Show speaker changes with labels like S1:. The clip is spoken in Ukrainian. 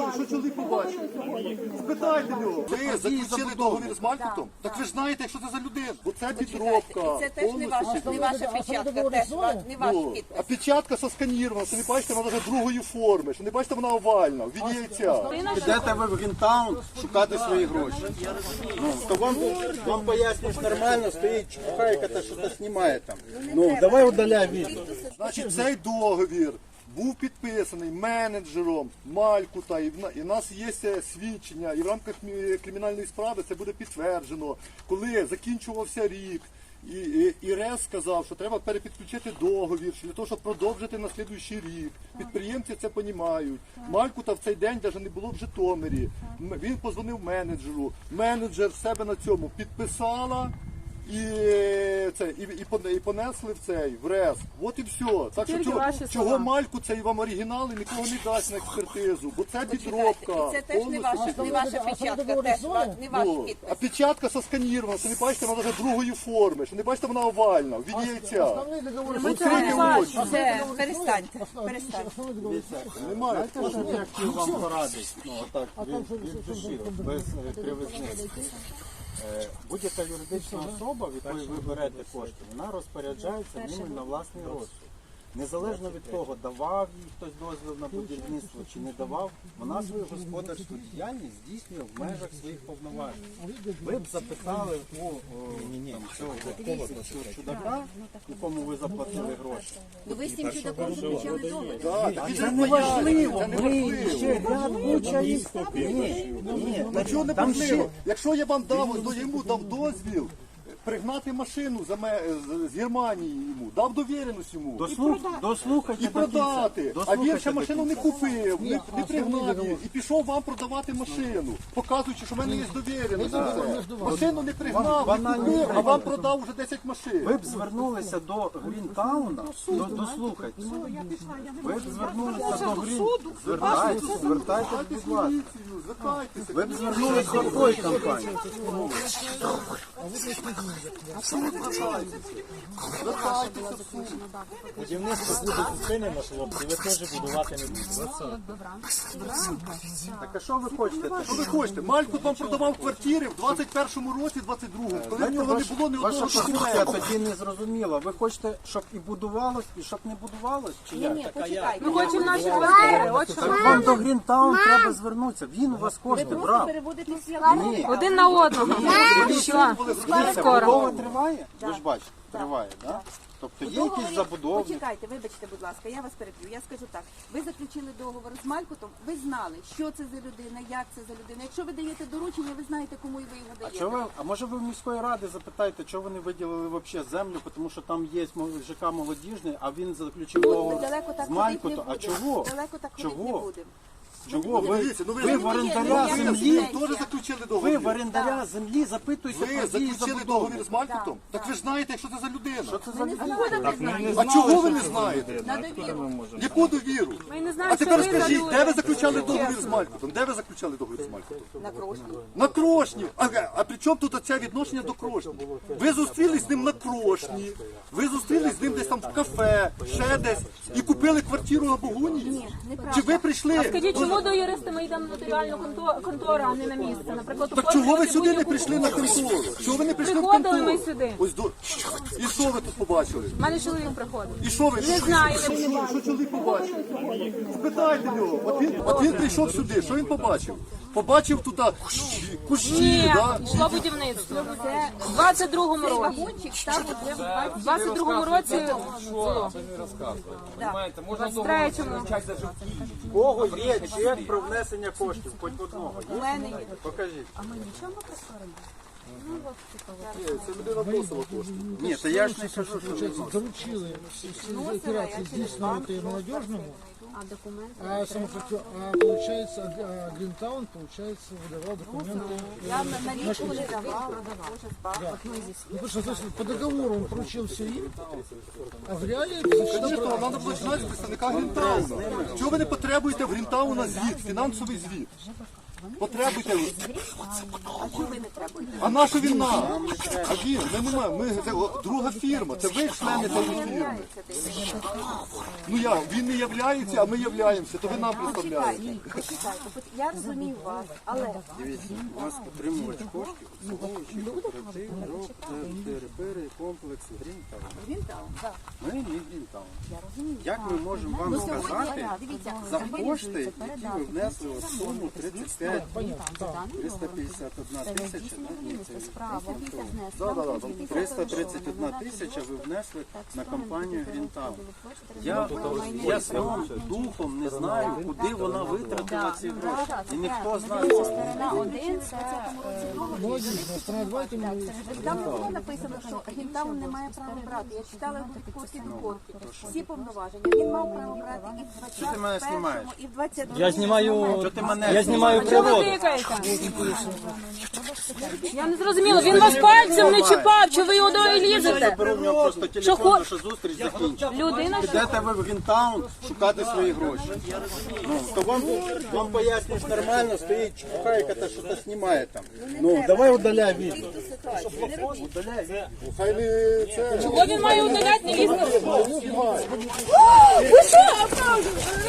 S1: що чоловік побачив? Спитайте його. Ви заключили договір з Малькутом? Так ви ж знаєте, що це за людина. Бо це підробка.
S2: Це теж не ваша печатка, теж не ваш підпис.
S1: А печатка сосканірована, що не бачите, вона вже другої форми, що не бачите, вона овальна, в віді яйця.
S3: Підете ви в Грінтаун шукати свої гроші. Ну, то вам пояснюєш нормально, стоїть чепуха, яка щось знімає там. Ну, давай удаляй відео.
S1: Значить, цей договір був підписаний менеджером Малькута, і в нас є свідчення, і в рамках кримінальної справи це буде підтверджено, коли закінчувався рік. І РЕС сказав, що треба перепідключити договір для того, щоб продовжити на слідуючий рік. Підприємці це розуміють. Малькута в цей день навіть не було в Житомирі. Він подзвонив менеджеру. Менеджер в себе на цьому підписала і понесли в РЕС. От і все. Так що чого Мальку цей вам оригінал і нікого не дасть на експертизу, бо це підробка.
S2: Це теж не ваша печатка, теж не ваш підпис.
S1: А печатка сосканірована, що не бачите, вона вже другої форми, що не бачите, вона овальна, в віді яйця.
S2: Ми цього не бачимо. Перестаньте.
S1: Немає.
S3: Я хотів вам порадити, ну, отак, від душі, без кривизни. Будь-яка юридична особа, від якої ви берете кошти, вона розпоряджається ними на власний розсуд. Незалежно від того, давав їй хтось дозвіл на будівництво чи не давав, вона свою господарську діяльність здійснює в межах своїх повноважень. Ви б записали у цього чудака, якому ви заплатили гроші.
S2: Ну ви з цим чудаком заключали договір.
S1: Це не важливо.
S3: Ще ряд куча
S1: Чого не важливо? Якщо я вам йому дав дозвіл пригнати машину з Германії йому, дав довіреність йому.
S3: Дослухайте
S1: І продати. А він ще машину не купив, не пригнав її. І пішов вам продавати машину, показуючи, що в мене є довіреність. Машину не пригнав, не купив, а вам продав вже 10 машин.
S3: Ви б звернулися до Грінтауна, дослухайте. Ви б звернулися до Грінтауна, звертайтеся, будь ласка. Ви б звернулися до тої компанії.
S4: Будівництво буде зупинено, хлопці, ви теж будувати не будете.
S3: Так а що ви хочете?
S1: Що ви хочете? Малькут вам продавав квартири в 21-му році, 22-му, коли в нього не було ні
S3: Ваша
S1: одного
S3: позиція
S1: школи.
S3: тоді не зрозуміла. Ви хочете, щоб і будувалось, і щоб не будувалось? Чи як?
S2: Ні, почекайте.
S5: Ми хочемо наші квартири. От що ми
S3: Вам до Грінтаун треба звернутися. Він у вас кошти
S2: Просто
S3: брав.
S2: переводите
S3: Ні.
S5: один на одного. Пішла. Скоро.
S3: Будова триває? Ви ж бачите, триває, так? Тобто є якісь забудовні?
S2: Почекайте, вибачте, будь ласка, я вас переб'ю. Я скажу так. Ви заключили договор з Малькутом, ви знали, що це за людина, як це за людина. Якщо ви даєте доручення, ви знаєте, кому ви його даєте.
S3: А може ви в міської ради запитаєте, чого вони виділили взагалі землю, тому що там є ЖК молодіжний, а він заключив договор
S2: Далеко так
S3: з
S2: ходити не
S3: Малькутом. А
S2: будемо.
S3: чого?
S2: Далеко так ходити не
S3: Чого?
S2: будемо.
S3: Чого?
S1: Дивіться, ну
S3: Ви в орендаря
S2: є,
S3: землі,
S2: є.
S1: теж заключили
S3: ви
S1: договір.
S3: в орендаря землі запитуєте
S1: Ви
S3: про дії
S1: заключили
S3: забудови.
S1: договір з Малькутом? Так ви ж знаєте, що це за людина.
S3: Це за людина?
S1: А чого ви не знаєте?
S2: На довіру.
S1: Яку довіру?
S5: Ми не знаємо,
S1: А тепер
S5: що ви за
S1: скажіть,
S5: люди.
S1: де ви заключали договір з Малькутом? Де ви заключали договір з Малькутом?
S2: На крошку.
S1: На Крошні. А при чому тут оце відношення до Крошні? Ви зустрілись з ним на Крошні, ви зустрілись з ним десь там в кафе, ще десь, і купили квартиру на Богуні?
S2: Ні, неправда.
S1: Чи ви прийшли?
S5: Скажіть, чому до юриста ми йдемо в нотаріальну контору, а не на місце? Наприклад,
S1: Так чого ви сюди не прийшли на контору? Чого ви не прийшли в
S5: Приходили
S1: контору?
S5: ми сюди.
S1: Ось і що ви тут побачили?
S5: У мене чоловік приходив.
S1: І що ви?
S5: Не знаю, не
S1: Що чоловік побачив? Спитайте його. От він прийшов сюди, що він побачив? Побачив тут кущі,
S5: Ні,
S1: да?
S5: йшло будівництво. Це в 22-му
S2: Цей
S5: році.
S2: вагончик став уже в
S5: В 22-му році було.
S4: Понимаєте, можна
S5: В 23-му.
S3: В кого є чек про внесення коштів? Хоч одного.
S2: У мене є.
S3: Покажіть.
S1: Це людина просила кошти.
S3: Ні, то я ж не кажу, що ви.
S6: Доручили всі операції здійснювати молодіжному, а получается, Гринтаун, получается, выдавал документы.
S2: Я налічку не давала.
S6: Ну, потому что, то есть, по договору он поручил все им, а в реале
S1: Звісно, треба було знати представника Грінтауна. Чого ви не потребуєте в Грінтауна звіт, фінансовий звіт? Потребуйте.
S2: А чого ви не требуєте?
S1: А на що він нам? А він, ми не маємо. Ми це друга фірма, це ви члени цієї фірми. Ну я, він не являється, а ми являємося, то ви нам представляєте.
S2: Почекайте, я розумію вас, але
S3: Дивіться, у вас отримувач коштів, обслуговуючий кооператив, ТРП, комплекс Грінтаун.
S2: Грінтаун, так.
S3: Ми не Грінтаун.
S2: Я розумію.
S3: Як ми можемо вам
S2: Ну, сьогодні,
S3: сказати
S2: дивіться,
S3: за кошти, які ви внесли у суму 35 351 тисяча? Ні, це не 331 тисяча ви внесли на компанію Грінтаун. Я своїм духом не знаю, куди вона витратила ці гроші. І ніхто з нас не знає.
S2: На один це
S6: Молодец, страна, давайте мы...
S2: там не було написано, що Грінтаун не має права брати. Я читала від корки до корки. Всі повноваження. Він мав право брати і в
S3: Що ти мене знімаєш?
S2: 21-му, і в 22-му.
S5: Я знімаю,
S3: Що ти мене
S5: я знімаю
S3: знімаєш?
S5: природу. Я не зрозуміла, він вас пальцем не чіпав, чи ви його і лізете?
S3: Беру в нього просто телефон, наша зустріч закінчиться.
S5: Людина,
S3: Підете ви в Грінтаун шукати свої гроші. Ну, то вам пояснюєш нормально, стоїть чухайка та що-то знімає там. Ну, давай удаляй відео. Удаляй відео.
S1: Хай не це.
S5: чого він має удаляти, не лізти?
S1: Ну, знімай.
S5: Ви що?